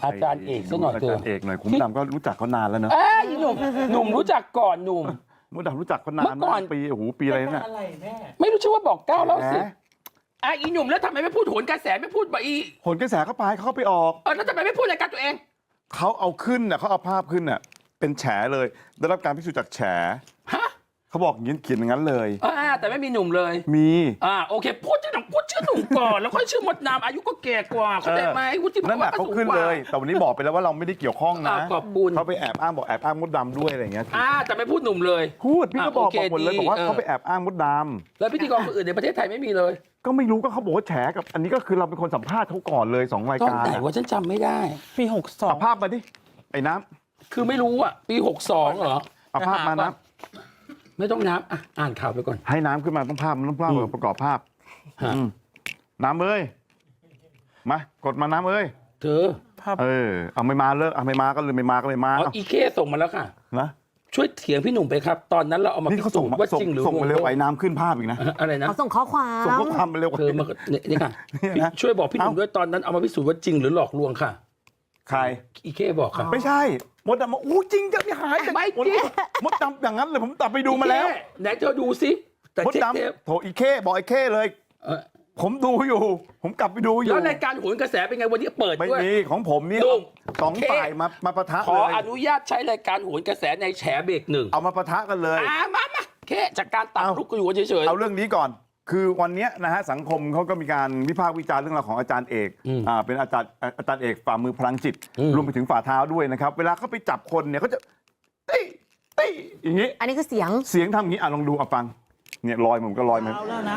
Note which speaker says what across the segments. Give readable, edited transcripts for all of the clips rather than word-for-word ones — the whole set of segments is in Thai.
Speaker 1: อาจารย์เอกซะหน่อยเถอะ
Speaker 2: อาจารย์เอกหน่อยคุณมดดำก็รู้จักเขานานแล้วเนอะ
Speaker 1: หนุ่มรู้จักก่อนหนุ่ม
Speaker 2: มดดำรู้จักเขานานมากปีโอ้โหปีอะไรเนี่ย
Speaker 1: ไม่รู้ชื่อว่าบอก9แล้ว10อีหนุ่มแล้วทำไมไม่พูดโหนกระแสไม่พูดบ่อี
Speaker 2: โหนกระแสเขาไปออก
Speaker 1: แล้วทำไมไม่พูดรายการตัวเอง
Speaker 2: เขาเอาขึ้นน่ะเขาเอาภาพขึ้นน่ะเป็นแฉเลยได้รับการพิสูจน์จากแฉเขาบอกอย่างนี้เขียนอย่างนั้นเลย
Speaker 1: แต่ไม่มีหนุ่มเลย
Speaker 2: มี
Speaker 1: โอเคพูดชื่อหนุ่มก่อนแล้วค่อยชื่อมดน้ำอายุก็แก่กว่าเขาได้ไหม
Speaker 2: นั่นแหละเขาขึ้นเลยแต่วันนี้บอกไปแล้วว่าเราไม่ได้เกี่ยวข้องนะ
Speaker 1: ขอบคุณ
Speaker 2: เขาไปแอบอ้างบอกแอบอ้างมดดำด้วยอะไรอย่างเงี้ย
Speaker 1: แต่ไม่พูดหนุ่มเลย
Speaker 2: พูดพี่ก็บอกหมดเลยบอกว่าเขาไปแอบอ้างมดดำ
Speaker 1: แล้วพิธีกรคนอื่นในประเทศไทยไม่มีเลย
Speaker 2: ก็ไม่รู้ก็เขาบอกว่าแฉกับอันนี้ก็คือเราเป็นคนสัมภาษณ์เขาก่อนเลย2รายการ
Speaker 1: ตอนไหนว่าฉันจำไม่ได้
Speaker 3: ปี62
Speaker 2: เอาภาพมาดิไอ้น้
Speaker 1: ำคือไม่รู้ปี62เหรอ
Speaker 2: เอาภาพมาน้
Speaker 1: ำไม่ต้องน้ำอ่านข่าวไปก่อน
Speaker 2: ให้น้ำขึ้นมาต้องภาพมันต้องภาพประกอบภาพน้ำเอ้ยมากดมาน้ำเอ้ย
Speaker 1: เธอ
Speaker 2: เอาไม่มาเลยเอาไม่มาก็เลยไม่มาก็เลยมา
Speaker 1: อีเคส่งมาแล้วค่ะ
Speaker 2: นะ
Speaker 1: ช่วยเถียงพี่หนุ่มไปครับตอนนั้นเราเอามาพิสูจน์ว่าจริงหรือ
Speaker 2: ส่งมาเร็วไอ้น้ำขึ้นภาพอีกนะ
Speaker 1: อะไรนะ
Speaker 4: เขาส่งข้อความ
Speaker 2: มาเร็ว
Speaker 1: เธอมานี่ค่ะช่วยบอกพี่หนุ่มด้วยตอนนั้นเอามาพิสูจน์ว่าจริงหรือหลอกลวงค่ะ
Speaker 2: ใคร
Speaker 1: อีเคบอกค่ะ
Speaker 2: ไม่ใช่มดดำมาจริงจะไม่หาย
Speaker 1: ไม่จริง
Speaker 2: มดดำอย่างนั้นเลยผมตัดไปดูมาแล้ว
Speaker 1: ไหนเธอดูสิ
Speaker 2: มดดำโถอีเคบอกไอ้เคเลยผมดูอยู่ผมกลับไปดูอยู่
Speaker 1: แล้วรายการโหนกระแสเป็นไงวันนี้เปิดด้วย
Speaker 2: ไม่มีของผมนี่2ฝ่ายมาปะทะ
Speaker 1: ขออนุญาตใช้รายการโหนกระแสในแฉเบรก1
Speaker 2: เอามาปะทะกันเลย
Speaker 1: มาแค่จากการตัดลุกกันอยู่เฉย
Speaker 2: ๆเอาเรื่องนี้ก่อนคือวันนี้นะฮะสังคมเขาก็มีการวิพากษ์วิจารณ์เรื่องราวของอาจารย์เอกเป็นอาจารย์เอกฝ่ามือพลังจิตรวมไปถึงฝ่าเท้าด้วยนะครับเวลาเขาไปจับคนเนี่ยเขาจะตี้อย่างนี้
Speaker 4: อันนี้คือเสียง
Speaker 2: ทำอย่างนี้ลองดูฟังเนี่ยลอยผมก็ลอยมา
Speaker 3: แล้วนะ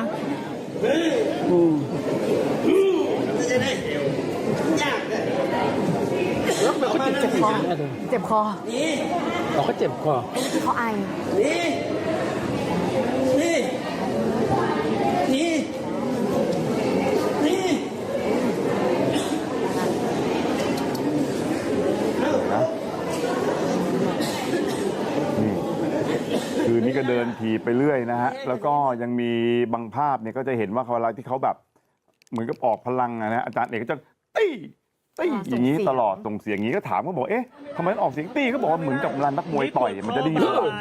Speaker 5: จะได้ยากเลย
Speaker 1: แล้วมันเขาเจ็บคอ
Speaker 5: นี่
Speaker 1: เขาเจ็บคอ
Speaker 4: ที่เขาไอ
Speaker 5: นี่
Speaker 2: คือนี่ก็เดินถีบไปเรื่อยนะฮะแล้วก็ยังมีบางภาพเนี่ยก็จะเห็นว่าเวลาที่เขาแบบเหมือนกับออกพลังนะอาจารย์เอกก็จะตี้อย่างนี้ตลอดส่งเสียงอย่างนี้ก็ถามเขาบอกทำไมออกเสียงตี้ก็บอกว่าเหมือนกับเวลานักมวยต่อยมันจะดี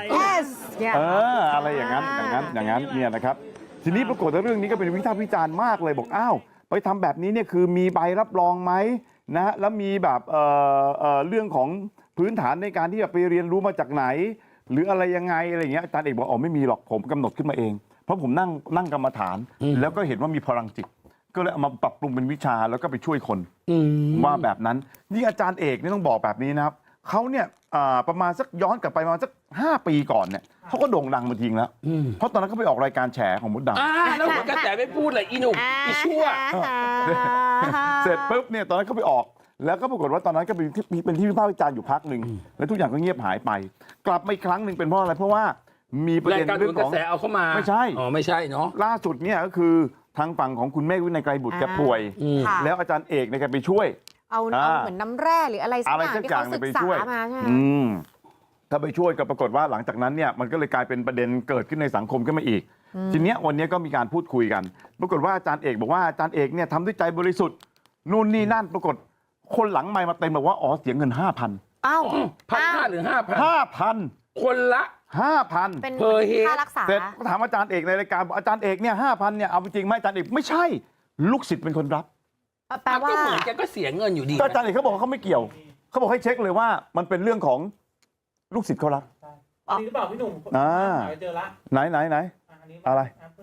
Speaker 2: อะไรอย่างนั้นเนี่ยนะครับทีนี้ปรากฏว่าเรื่องนี้ก็เป็นวิพากษ์วิจารณ์มากเลยบอกไปทำแบบนี้เนี่ยคือมีใบรับรองไหมนะแล้วมีแบบเรื่องของพื้นฐานในการที่จะไปเรียนรู้มาจากไหนหรืออะไรยังไงอะไรอย่างเงี้ยอาจารย์เอกบอกไม่มีหรอกผมกำหนดขึ้นมาเองเพราะผมนั่งกรรมฐานแล้วก็เห็นว่ามีพลังจิตก็เลยเอามาปรับปรุงเป็นวิชาแล้วก็ไปช่วยคนว่าแบบนั้นนี่อาจารย์เอกนี่ต้องบอกแบบนี้นะครับเขาเนี่ยประมาณสักย้อนกลับไปประมาณสัก5 ปีก่อนเนี่ยเขาก็โด่งดังมาทิ้งแล้วเพราะตอนนั้นเขาไปออกรายการแฉของมดดำ
Speaker 1: แล้วกระแสไม่พูดเลยอีหนุ่มอีชั่ว
Speaker 2: เสร็จปุ๊บเนี่ยตอนนั้นเขาไปออกแล้วก็ปรากฏว่าตอนนั้นก็เป็นที่วิพากษ์วิจารณ์อยู่พักหนึ่งแล้วทุกอย่างก็เงียบหายไปกลับมาอีกครั้งหนึ่งเป็นเพราะอะไรเพราะว่ามีประเด็นเรื่องของ
Speaker 1: กระแสเอาเข้ามา
Speaker 2: ไม่ใช่
Speaker 1: ไม่ใช่เนาะ
Speaker 2: ล่าสุดเนี่ยก็คือทางฝั่งของคุณเมฆวินัยไกรบุตรแกป่วยแล้วอาจารย์เอกเนี่ยแกไปช่วย
Speaker 4: เอาเหมือนน้ำแร่หรืออะไรสักอย่างที่เขาศึกษามาใช่ไหม
Speaker 2: ถ้าไปช่วยก็ปรากฏว่าหลังจากนั้นเนี่ยมันก็เลยกลายเป็นประเด็นเกิดขึ้นในสังคมขึ้นมาอีกทีเนี้ยวันนี้ก็มีการพูดคุยกันปรากฏว่าอาจารย์เอกบอกว่าอาจารย์เอกเนี่ยทำด้วยใจบริสุทธิ์นู่นนี่นั่นปรากฏคนหลังไมค์มาเต็มบอกว่าเสียเงิน 5,000
Speaker 1: 1,500 หรือ
Speaker 2: 5,000
Speaker 1: คนละ
Speaker 2: 5,000
Speaker 4: เป็นค่ารักษา
Speaker 2: เสร็จก็ถามอาจารย์เอกในรายการบอกอาจารย์เอกเนี่ย 5,000 เนี่ยเอาจริงไหมอาจารย์เอกไม่ใช่ลูกศิษย์เป็นคนรับ
Speaker 4: แปลว่า
Speaker 1: ก็เหมือนแกก็เสียเงินอยู่ดี
Speaker 2: อาจารย์เอกเขาบอกเขาไม่เกี่ยวเขาบอกให้เช็คเลยว่ามันเป็นเรื่องของลูกศิษย์เขารับ
Speaker 3: อันนี้หรือเปล่าพี่หนุ่มเจอละ
Speaker 2: ไหนอะไร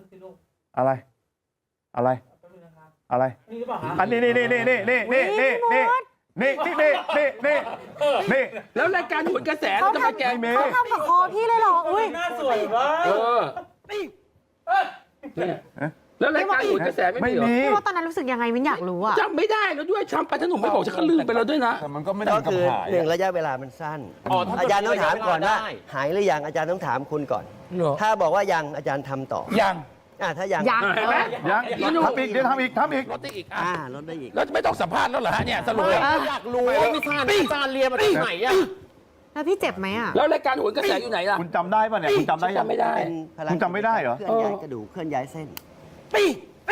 Speaker 2: อันนี้นี่
Speaker 1: แล้วรายการโหนกระแส
Speaker 4: เขาทำกับคอพี่เลยหรออุ้ย
Speaker 3: น่าสวยเว้ย
Speaker 1: แล้วรายการโหนกระแสไม่มี
Speaker 4: พี่ว่าตอนนั้นรู้สึกยังไงมิ้นอยากรู้อะ
Speaker 1: จำไม่ได้แล้วด้วยช้ำไปถ้าหนุ่มไม่บอกฉันก็ลืมไปแล้วด้วยนะ
Speaker 2: แต่มันก็ไม่ได้
Speaker 6: ก็คือ1ระยะเวลามันสั้นอาจารย์ต้องถามก่อนว่าหายหรือยังอาจารย์ต้องถามคุณก่อนถ้าบอกว่ายังอาจารย์ทำต่อ
Speaker 1: ยัง
Speaker 6: ถ้ายัง
Speaker 2: ทำอีกเดี๋ยวทำอีก
Speaker 1: ลดได้อีก
Speaker 6: ลดได้อีก
Speaker 1: แล้วไม่ต้องสัมภาษณ์แล้วเหรอฮะเนี่ยสรุป
Speaker 3: อยากรู้ว่าอาจารย์เรียนมาจากไหนอะ
Speaker 4: แล้วพี่เจ็บไหมอะ
Speaker 1: แล้วรายการโหนกระแสอยู่ไหนล่ะ
Speaker 2: คุณจำได้ป่ะเนี่ยคุณจำได้ยัง
Speaker 1: ไม่ได้
Speaker 2: คุณจำไม่ได้เหรอ
Speaker 6: เคลื่อนย้ายกระดูกเคลื่อนย้ายเส้น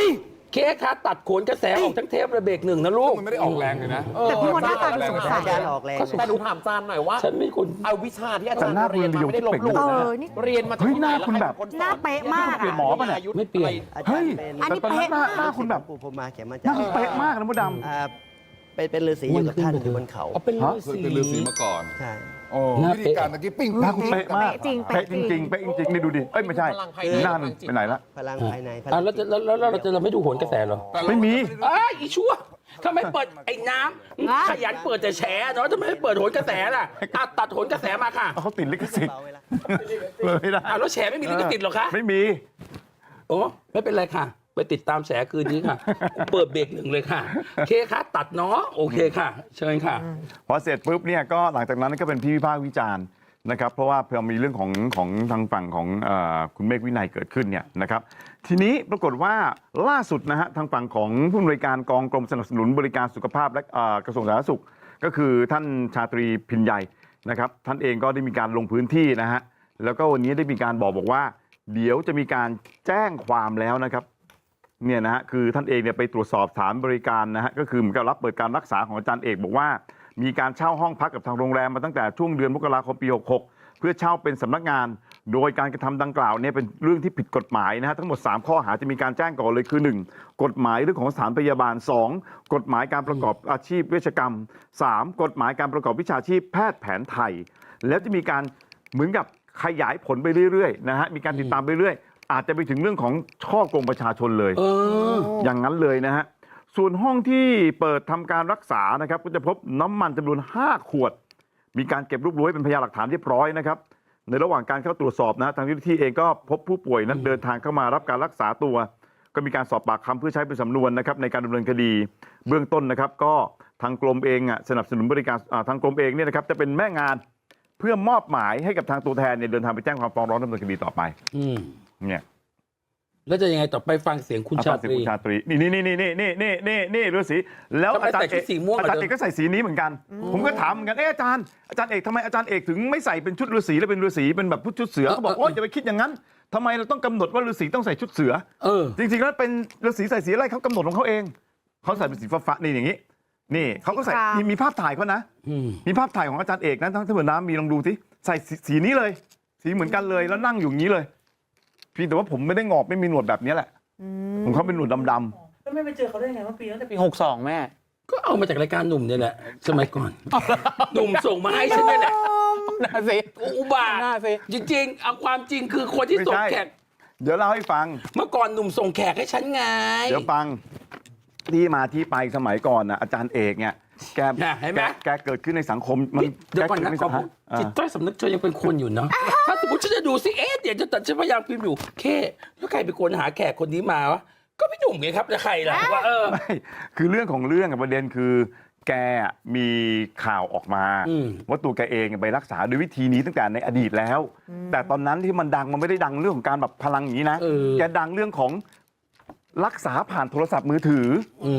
Speaker 1: เคค่ะตัดโขนกระแสออกทั้งเทประเบรกหนึ่งนะลูก
Speaker 7: มันไม่ได้ออกแรงเลยนะ
Speaker 4: แต่พี่มดหน้าตาดูสงสัย
Speaker 6: อาจารย์ออกแรง
Speaker 3: แต่ดูถามอาจารย์หน่อยว่า
Speaker 1: ฉันไม่คน
Speaker 3: เอาวิชาที่อาจารย์เรียนมาไม่ได้ลบหลู่
Speaker 4: เอ
Speaker 3: นะ
Speaker 4: อนี่
Speaker 3: เรียนมาจาก
Speaker 2: เฮ้ย
Speaker 3: ที่ไห
Speaker 2: น้าคุณแบบ
Speaker 4: หน้าเป๊ะมาก
Speaker 2: เปลี่ยนหมอป่ะเนี่ย
Speaker 1: ไม่เปลี่ยน
Speaker 6: อาจาร
Speaker 2: เฮ้ย
Speaker 6: ย์เป็น
Speaker 4: อันนี้
Speaker 2: แต่ตอนนั้นหน้าคุณแบบ
Speaker 6: ปู่ผมมาเขียนมา
Speaker 2: ห
Speaker 6: จา
Speaker 2: น้าก คุณเป๊ะมากนะมดด
Speaker 6: เป็นฤาษีอยู่กับท่านอยู่บนเขา
Speaker 1: เอาเป็น
Speaker 2: ฮะ
Speaker 7: เคยเป็นฤาษีมาก่อน
Speaker 6: ใช่
Speaker 7: โอ้
Speaker 1: หน้า
Speaker 7: วิ
Speaker 1: เป๊ะ
Speaker 7: ธีการตะกี้ปิ้ง
Speaker 2: ำหน้าคุณเป๊ะมาก
Speaker 4: เป๊ะจริง
Speaker 2: เป๊ะจริงๆเป๊ะจริงๆนี่ดูดิเอ้ยไม่ใช่
Speaker 3: พลังภายใน
Speaker 2: หน้าหนึ่งไปไหนละ
Speaker 6: พลังภายในพลั
Speaker 1: อ่ะ
Speaker 6: ง
Speaker 1: แล้วเราไม่ดูโหนกระแสเหรอ
Speaker 2: ไม่มี
Speaker 1: อ้าอีชั่วทำไมเปิดไอ้น้ำขยันเปิดแต่แฉเนาะทำไมไม่เปิดโหนกระแสล่ะอ่ะตัดโหนกระแสมาค่ะ
Speaker 2: เขาติดลิขสิทธิ์
Speaker 6: เบาไว้ละ
Speaker 2: เลยไม่ได้
Speaker 1: อ่ะแล้วแฉไม่มีลิขสิทธิ์หรอคะ
Speaker 2: ไม่มี
Speaker 1: โอ้ไม่เป็นไรค่ะ ไปติดตามแฉคืนนี้ค่ะ เปิดเบรกหนึ่งเลยค่ะเคค่ะตัดเนาะโอเคค่ะ เชิญค่ะ
Speaker 2: พอเสร็จปุ๊บเนี่ยก็หลังจากนั้นก็เป็นที่วิพากษ์วิจารณ์นะครับเพราะว่าเพิ่มมีเรื่องของทางฝั่งของคุณเมฆวินัยเกิดขึ้นเนี่ยนะครับทีนี้ปรากฏว่าล่าสุดนะฮะทางฝั่งของผู้อำนวยการกองกรมสนับสนุนบริการสุขภาพและกระทรวงสาธารณสุข ก็คือท่านชาตรีพินใหญ่นะครับท่านเองก็ได้มีการลงพื้นที่นะฮะแล้วก็วันนี้ได้มีการบอกว่า เดี๋ยวจะมีการแจ้งความแล้วนะครับเนี่ยนะฮะคือท่านเองเนี่ยไปตรวจสอบสถานบริการนะฮะก็คือเหมือนกับรับเปิดการรักษาของอาจารย์เอกบอกว่า มีการเช่าห้องพักกับทางโรงแรมมาตั้งแต่ช่วงเดือนมกราคมปี 66 เพื่อเช่าเป็นสำนักงาน โดยการกระทำดังกล่าวเนี่ยเป็นเรื่องที่ผิดกฎหมายนะฮะทั้งหมด 3 ข้อหาจะมีการแจ้งก่อนเลยคือ 1. กฎหมายเรื่องของสถานพยาบาล 2. กฎหมายการประกอบอาชีพเวชกรรม 3. กฎหมายการประกอบวิชาชีพแพทย์แผนไทย แล้วจะมีการเหมือนกับขยายผลไปเรื่อยๆนะฮะมีการติดตามไปเรื่อยอาจจะไปถึงเรื่องของช่อกงประชาชนเลย อย่างนั้นเลยนะฮะ ส่วนห้องที่เปิดทำการรักษานะครับก็จะพบน้ำมันจำนวน 5 ขวด มีการเก็บรวบรวมไว้เป็นพยานหลักฐานเรียบร้อยนะครับ ในระหว่างการเข้าตรวจสอบนะทางเจ้าหน้าที่เองก็พบผู้ป่วยนั้นเดินทางเข้ามารับการรักษาตัว ก็มีการสอบปากคำเพื่อใช้เป็นสำนวนนะครับในการดำเนินคดีเบื้องต้นนะครับ ก็ทางกรมเองสนับสนุนบริการทางกรมเองเนี่ยนะครับจะเป็นแม่งานเพื่อมอบหมายให้กับทางตัวแทนเนี่ยเดินทางไปแจ้งความฟ้องร้องดำเนินคดีต่อไป
Speaker 1: อืม
Speaker 2: เนี่ย
Speaker 1: แล้วจะยังไงต่อไปฟังเสียงคุณชาตรี
Speaker 2: คุณชาตรีนี่ฤาษีแล้ว
Speaker 1: ทำไม
Speaker 2: อาจาร
Speaker 1: ใส่
Speaker 2: ย์
Speaker 1: ชุ
Speaker 2: เอ
Speaker 1: ด
Speaker 2: ก
Speaker 1: สีม่วง
Speaker 2: อาจารย์เอกก็ใส่สีนี้เหมือนกัน ผมก็ถามเหมือนกันอาจารย์เอกทำไมอาจารย์เอกถึงไม่ใส่เป็นชุดฤาษีแล้วเป็นฤาษีเป็นแบบชุดเสือเขาบอกโอ๊ยอย่าไปคิดอย่างนั้นทำไมเราต้องกำหนดว่าฤาษีต้องใส่ชุดเสือ จริงๆแล้วเป็นฤาษีใส่สีอะไรเขากำหนดของเขาเองเขาใส่เป็นสีฟ้าๆนี่อย่างนี้นี่เขาก็ใส่มีภาพถ่ายเขานะมีภาพถ่ายของอาจารย์เอกนะทั้งที่เหมือนน้ำมีลองดูสิใส่สีนี้เลยสีเหมือนกันเลยแล้วนั่งอยู่อย่างนี้เลยเพียงแต่ว่าผมไม่ได้งอกไม่มีหนวดแบบนี้แหละของเขาเป็นหนวดดำ
Speaker 3: แล้วไม่ไปเจอเขาได้ไงเมื่อปีตั้งแต่ปี62แม่
Speaker 1: ก็เอามาจากรายการหนุ่มเนี่ยแหละสมัยก่อน หนุ่มส่งมาให้ฉันนี่แหละ
Speaker 3: น่าสิ
Speaker 1: อุบาท
Speaker 3: น่าสิ
Speaker 1: จริงๆเอาความจริงคือคน
Speaker 2: ๆ
Speaker 1: ที่
Speaker 2: ไม่
Speaker 1: ส่ง
Speaker 2: ใช่
Speaker 1: แขก
Speaker 2: เดี๋ยวเล่าให้ฟัง
Speaker 1: เมื่อก่อนหนุ่มส่งแขกให้ฉันไง
Speaker 2: เดี๋ยวฟังที่มาที่ไปสมัยก่อนนะอาจารย์เอกเนี่ยแก
Speaker 1: น่ะเห็นไหม
Speaker 2: แกเกิดขึ้นในสังคมมัน
Speaker 1: เดี๋ยวก่อนนะ
Speaker 2: แกิด
Speaker 1: ขอ
Speaker 2: ขึ้
Speaker 1: พูด
Speaker 2: ใสังคม
Speaker 1: จิตใต้สำนึกเธอยังเป็นคนอยู่เนาะถ้าสมมติฉันจะดูสิเดี๋ยวจะตัดฉันพยายามพิมพ์อยู่เคแล้วใครเป็นคนหาแขกคนนี้มาวะก็พี่หนุ่มไงครับแล้วใครล่ะว่า
Speaker 2: ไม่คือเรื่องของเรื่องกับประเด็นคือ แกมีข่าวออกมาว่าตัวแกเองไปรักษาด้วยวิธีนี้ตั้งแต่ในอดีตแล้ว แต่ตอนนั้นที่มันดังมันไม่ได้ดังเรื่องของการแบบพลังอย่างนี้นะแกดังเรื่องของรักษาผ่านโทรศัพท์มือถือ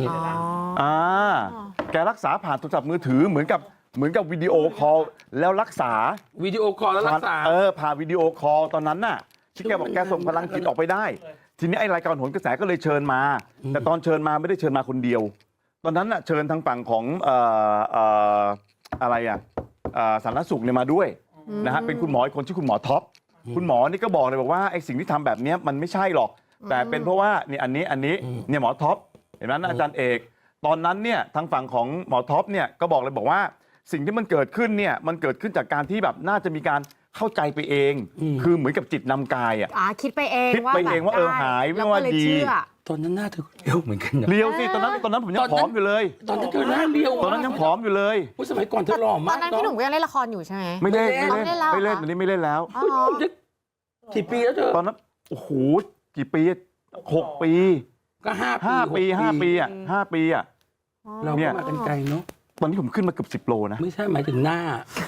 Speaker 2: แกรักษาผ่านโทรศัพท์มือถือเหมือนกับวิดีโอคอลแล้วรักษา
Speaker 1: วิดีโอคอลแล้วรักษา
Speaker 2: ผ่านวิดีโอคอลตอนนั้นน่ะที่แกบอกแกส่งพลังจิตออกไปได้ทีนี้ไอรายการโหนกระแสก็เลยเชิญมาแต่ตอนเชิญมาไม่ได้เชิญมาคนเดียวตอนนั้นน่ะเชิญทางฝั่งของอะไรสาธารณสุขเนี่ยมาด้วยนะฮะเป็นคุณหมออีกคนชื่อคุณหมอท็อปคุณหมอนี่ก็บอกเลยบอกว่าไอสิ่งที่ทำแบบนี้มันไม่ใช่หรอกแต่เป็นเพราะว่านี่อันนี้เนี่ยหมอท็อปเห็นไหมอาจารย์เอกตอนนั้นเนี่ยทางฝั่งของหมอท็อปเนี่ยก็บอกเลยบอกว่าสิ่งที่มันเกิดขึ้นเนี่ยมันเกิดขึ้นจากการที่แบบน่าจะมีการเข้าใจไปเองคือเหมือนกับจิตนำกาย
Speaker 4: คิดไปเอง
Speaker 2: ว่าหายไม่ว่าดี
Speaker 1: ตอนนั้นหน้าเธอเลี้ยวเหมือนกัน
Speaker 2: เลี้ยวสิตอนนั้นผมยังผอมอยู่เลย
Speaker 1: ตอนนั้นเธอหน้าเลี้ยว
Speaker 2: ตอนนั้นยังผอมอยู่เลย
Speaker 1: สมัยก่อนเธอหล่อมาก
Speaker 4: ตอนนั้นพี่หนุ่มก็ยังเล่นละครอยู่ใช่ไหม
Speaker 2: ไม่เล่นตอนนี้ไม่เล่นแล้ว
Speaker 1: กี่ปีแล้วเธอ
Speaker 2: ตอนนั้นโอ้โหกี่ปี6 ปี
Speaker 1: ก็
Speaker 2: 5 ปี5 ปี
Speaker 1: เราก็มากันไกลเนาะ
Speaker 2: ตอนนี้ผมขึ้นมาเกือบ10 โลนะ
Speaker 1: ไม่ใช่หมายถึงหน้า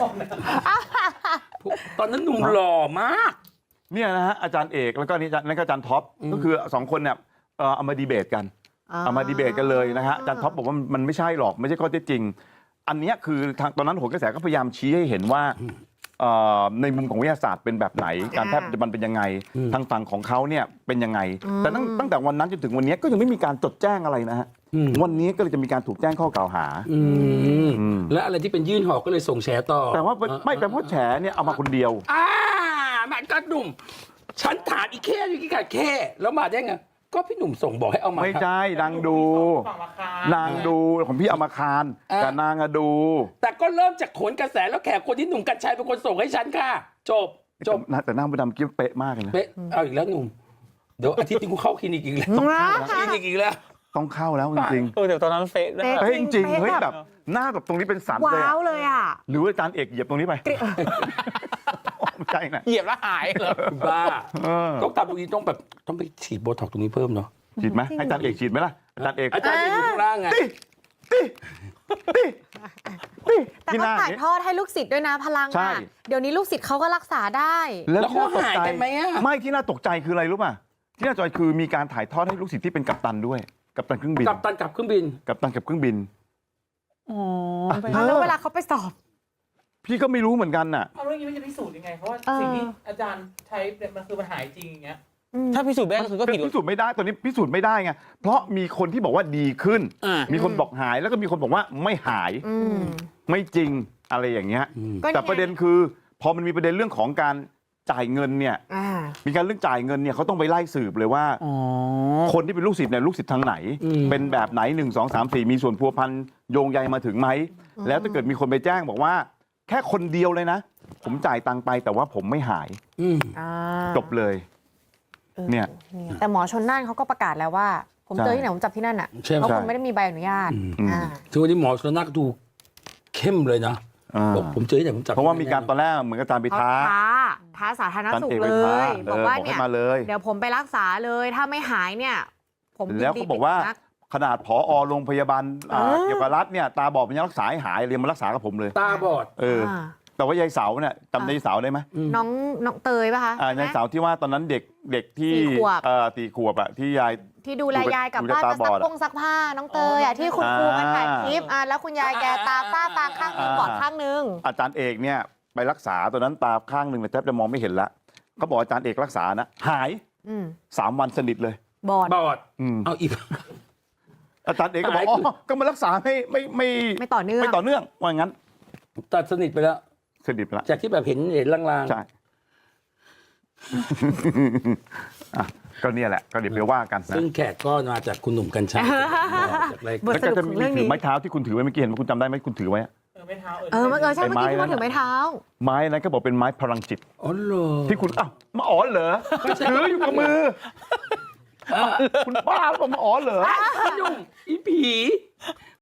Speaker 1: ตอนนั้นหนุ่มหล่อมาก
Speaker 2: เนี่ยนะฮะอาจารย์เอกแล้วก็นี่นั่นก็อาจารย์ท็อปก็คือ2 คนเนี่ยเอามาดีเบตกันเลยนะฮะอาจารย์ท็อปบอกว่ามันไม่ใช่หรอกไม่ใช่ข้อเท็จจริงอันนี้คือทางตอนนั้นโหนกระแสก็พยายามชี้ให้เห็นว่าในมุมของวิทยาศาสตร์เป็นแบบไหน การแพทย์ปัจจุบันเป็นยังไง ทางฝั่งของเขาเนี่ยเป็นยังไง แต่ตั้งแต่วันนั้นจนถึงวันนี้ก็ยังไม่มีการจดแจ้งอะไรนะฮะวันนี้ก็เลยจะมีการถูกแจ้งข้อกล่าวหา
Speaker 1: และอะไรที่เป็นยื่นหอกก็เลยส่งแฉต่อ
Speaker 2: แต่ว่าไม่แต่เพราะแฉเนี่ยเอามาคนเดียว
Speaker 1: มันก็หนุ่มฉันถามอีแค่อยู่กี่กะแค่แล้วมาได้ไงก็พี่หนุ่มส่งบอกให้เอามา
Speaker 2: ไม่ใช่นางดูของพี่เอามาคารแต่นางอะดู
Speaker 1: แต่ก็เริ่มจากขนกระแสแล้วแขกคนที่หนุ่มกัญชัยเป็นคนส่งให้ฉันค่ะจบ
Speaker 2: แต่หน้ามดดำกิ๊บเป๊ะมากเลยนะ
Speaker 1: เป๊ะเอาอีกแล้วหนุ่มเดี๋ยวอาทิตย์นี้กูเข้าคลินิกอีกแล้วคลินิกอีกแล้ว
Speaker 2: ต้องเข้าแล้วจริง
Speaker 3: เดี๋ยวตอนนั้นเฟซนะ
Speaker 2: ๆเฮ้ยจริงๆเฮ้ยแบบหน้าแบบตรงนี้เป็นสันเลย
Speaker 4: ว้าวเลยอ่ะ
Speaker 2: หรือว่าอาจารย์เอกเหยียบตรงนี้ไปไม่ใช่นะ
Speaker 3: เหยียบแล้วหายเหรอ
Speaker 1: บ้าต้องทำตรงนี้ต้องไปฉีดโบท็อกซ์ตรงนี้เพิ่มเนาะ
Speaker 2: ฉีดไหมให้อาจารย์เอกฉีดไหมล่ะอาจารย์เอก
Speaker 1: อาจารย์อยู่ข้างล่างไง
Speaker 4: แต่เขาถ่ายทอดให้ลูกศิษย์ด้วยนะพลัง
Speaker 2: ใช่
Speaker 4: อ่ะเดี๋ยวนี้ลูกศิษย์เขาก็รักษาได้
Speaker 1: แล้ว
Speaker 2: ที่น่
Speaker 1: เขาหายกันไหมอะ
Speaker 2: ไม่ที่น่าตกใจคืออะไรรู้ป่ะที่น่าตกใจคือมีการถ่ายทอดให้ลูกศิษย์ที่เป็นกัปตันด้วยกัปตันเครื่องบิน
Speaker 1: กับตันกับเครื่องบิน
Speaker 2: กัปตันกับเครื่องบิน
Speaker 3: อ๋อ
Speaker 4: แล้วเวลาเขาไปสอบ
Speaker 2: พี่ก็ไม่รู้เหมือนกันน่ะ
Speaker 7: เอาเรื่องนี้มันจะพิสูจน์ยังไง เพราะว่าสิ่งที่อาจารย์ใช้เนี่ยมันคือมันหายจริงอย่างเงี้ย
Speaker 3: ถ้าพิสูจน์ไม่ได้ก็คือก็ผิด
Speaker 2: พิสูจน์ไม่ได้ตอนนี้พิสูจน์ไม่ได้ไงเพราะมีคนที่บอกว่าดีขึ้น มีคนบอกหายแล้วก็มีคนบอกว่าไม่หาย ไม่จริงอะไรอย่างเงี้ย
Speaker 4: ก็เนี่ย
Speaker 2: แต่ประเด็นคือพอมันมีประเด็นเรื่องของการจ่ายเงินเนี่ย มีการเรื่องจ่ายเงินเนี่ยเขาต้องไปไล่สืบเลยว่า คนที่เป็นลูกศิษย์เนี่ยลูกศิษย์ทางไหน เป็นแบบไหน1 2 3 4มีส่วนพัวพันโยงใยมาถึงไหมแล้วถ้าเกิดมีคนไปแจ้งบอกว่า แค่คนเดียวเลยนะ ผมจ่ายตังค์ไปแต่ว่าผมไม่หายจบเลยเนี่ย
Speaker 4: แต่หมอชนน่านเขาก็ประกาศแล้วว่า ผมเจอที่ไหนผมจับที่นั่นอ่ะ
Speaker 1: ใช่ไหม
Speaker 4: เพราะคุณไม่ได้มีใบอนุญาต
Speaker 1: ถึงวันนี้หมอชนน่านก็ดูเข้มเลยนะบอกผมเจอที่ไหนผมจับ
Speaker 2: เพราะว่ามีการตอนแรกเหมือนกับอาจารย์ไป
Speaker 4: เขา ท้าสาธารณสุข
Speaker 2: อาจารย์เอก
Speaker 4: เล
Speaker 2: ไปท้าย
Speaker 4: บอกว่า
Speaker 2: บอกให้
Speaker 4: เนี่ย
Speaker 2: มาเลย
Speaker 4: เดี๋ยวผมไปรักษาเลยถ้าไม่หายเนี่ยผมยินดี
Speaker 2: แล้วก็บอกว่าขนาดผอโรงพยาบาลเกี่ยวกับรัฐเนี่ยตาบอดมันยังรักษาให้หายเรียนมารักษากับผมเลย
Speaker 1: ตาบอด
Speaker 2: แต่ว่ายายเสาเนี่ยจำยายเสาได้ไหม
Speaker 4: น้องเตยป่ะคะ
Speaker 2: ยายเสาที่ว่าตอนนั้นเด็กที่
Speaker 4: 4 ขวบ
Speaker 2: 4 ขวบอะที่ยาย
Speaker 4: ที่ดูแลยายกลับ
Speaker 2: ดู
Speaker 4: บ้าน
Speaker 2: ตา
Speaker 4: มา
Speaker 2: บ
Speaker 4: ซั
Speaker 2: อก ดอะ
Speaker 4: ซักผ้าน้องเตยอ่ะที่คุณครูมาถ่ายคลิปแล้วคุณยายแกตาฝ้าฟางข้างนึงบอดข้างนึง
Speaker 2: อาจารย์เอกเนี่ยไปรักษาตอนนั้นตาข้างหนึ่งเนี่ยแทบจะมองไม่เห็นละเขาบอกอาจารย์เอกรักษานะหาย 3 วันสนิทเลย
Speaker 4: บอด
Speaker 1: บอดเอาอีก
Speaker 2: อาจารย์เอกก็บอก
Speaker 1: หาย
Speaker 2: อ๋อก็มารักษาไม่
Speaker 4: ต่อเนื่อง
Speaker 2: ไม่ต่อเนื่องว่างั้น
Speaker 1: ตัดสนิทไปแล้ว
Speaker 2: สนิทไปละ
Speaker 1: จากที่แบบเห็นลางๆ
Speaker 2: ใช่ อ่ะก็เนี่ยแหละก็เดี๋ยวไปว่ากันนะ
Speaker 1: ซึ่งแขกก็มาจากคุณหนุ่มกัญชัยจากราย
Speaker 4: บท
Speaker 1: การ
Speaker 2: แล้วก็จะ
Speaker 4: สรุปของ
Speaker 2: มี
Speaker 4: เรื่องนี้
Speaker 2: ถือไม้เท้าที่คุณถือไว้เมื่อกี้เห็นไหมคุณจำได้ไหมคุณถือไว้อะ
Speaker 7: ไม่เท้า
Speaker 4: ใช่เมื่อกี้ที่พูดถึงไม้เท้า
Speaker 2: ไม้นั้นก็บอกเป็นไม้พลังจิต
Speaker 1: อ๋อเหรอ
Speaker 2: ที่คุณอ้าวมาอ๋อเหรอถืออยู่กับมือคุณบ้าหรือเปล่ามาอ๋อเหรอ
Speaker 1: พี่หนุ่มอีผี